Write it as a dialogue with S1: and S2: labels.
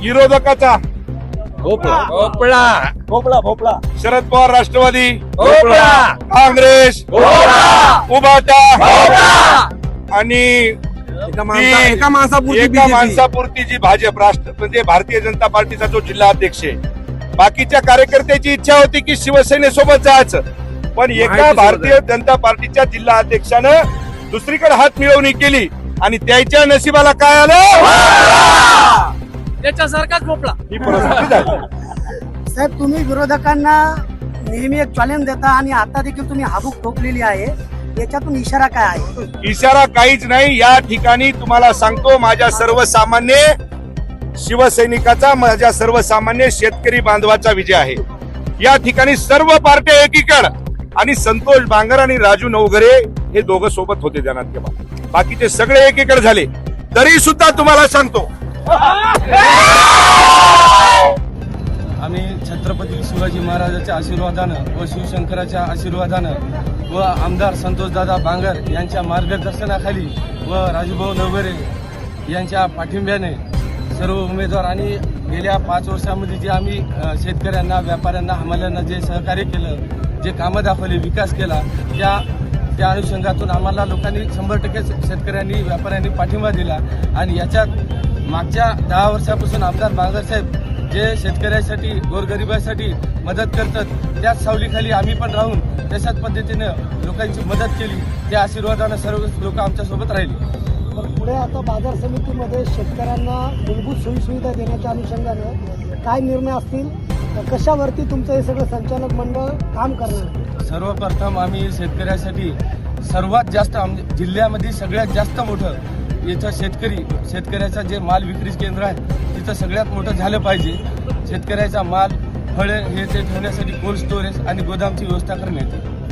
S1: विरोधकाचा
S2: भोपळा
S3: भोपळा भोपळा
S1: शरद पवार राष्ट्रवादी,
S2: भोपळा
S1: काँग्रेस, उभाटा आणि
S3: एका माणसापुरती
S1: एका
S3: BJP.
S1: माणसापुरती जी भाजप राष्ट्र म्हणजे भारतीय जनता पार्टीचा जो जिल्हा अध्यक्ष आहे. बाकीच्या कार्यकर्त्याची इच्छा होती की शिवसेनेसोबत जायचं, पण एका भारतीय जनता पार्टीच्या जिल्हा अध्यक्षानं दुसरीकडे हात मिळवणी केली आणि त्याच्या नशिबाला काय आलं,
S2: त्याच्यासारखाच भोपळा.
S1: ही परिस्थिती झाली.
S4: साहेब, तुम्ही विरोधकांना नेहमी एक चॅलेंज देता आणि आता देखील तुम्ही हाबूक ठोकलेली आहे. याच्यातून इशारा काय आहे?
S1: इशारा काहीच नाही. या ठिकाणी तुम्हाला सांगतो, माझ्या सर्वसामान्य शिवसैनिकाचा, माझ्या सर्वसामान्य शेतकरी बांधवाचा विजय आहे. या ठिकाणी सर्व पार्ट्या एकीकड आणि संतोष बांगर आणि राजू नवघरे हे दोघं सोबत होते ध्यानात ठेवा. बाकीचे सगळे एकीकड झाले. तरी सुद्धा तुम्हाला सांगतो,
S5: आम्ही छत्रपती शिवाजी महाराजांच्या आशीर्वादानं व शिवशंकराच्या आशीर्वादानं व आमदार संतोषदादा बांगर यांच्या मार्गदर्शनाखाली व राजूभाऊ नवघरे यांच्या पाठिंब्याने सर्व उमेदवार आणि गेल्या 5 वर्षामध्ये जे आम्ही शेतकऱ्यांना, व्यापाऱ्यांना, हमाल्यांना जे सहकार्य केलं, जे कामं दाखवली, विकास केला, त्या अनुषंगातून आम्हाला लोकांनी 100% शेतकऱ्यांनी, व्यापाऱ्यांनी पाठिंबा दिला. आणि याच्यात मागच्या 10 वर्षापासून आमदार बांगर साहेब जे शेतकऱ्यांसाठी, गोरगरिबासाठी मदत करतात, त्याच सावलीखाली आम्ही पण राहून तशाच पद्धतीनं लोकांची मदत केली. त्या आशीर्वादानं सर्व लोक आमच्यासोबत राहिले.
S4: पुढे आता बाजार समितीमध्ये शेतकऱ्यांना मूलभूत सोयीसुविधा देण्याच्या अनुषंगानं काय निर्णय असतील, कशावरती तुमचं हे सगळं संचालक मंडळ काम करणार?
S5: सर्वप्रथम आम्ही शेतकऱ्यासाठी सर्वात जास्त जिल्ह्यामध्ये सगळ्यात जास्त मोठं इथं शेतकऱ्याचं जे माल विक्री केंद्र आहे तिथं सगळ्यात मोठं झालं पाहिजे. शेतकऱ्याचा माल, फळे हे ते ठेवण्यासाठी कोल्ड स्टोरेज आणि गोदामची व्यवस्था करण्यात येते.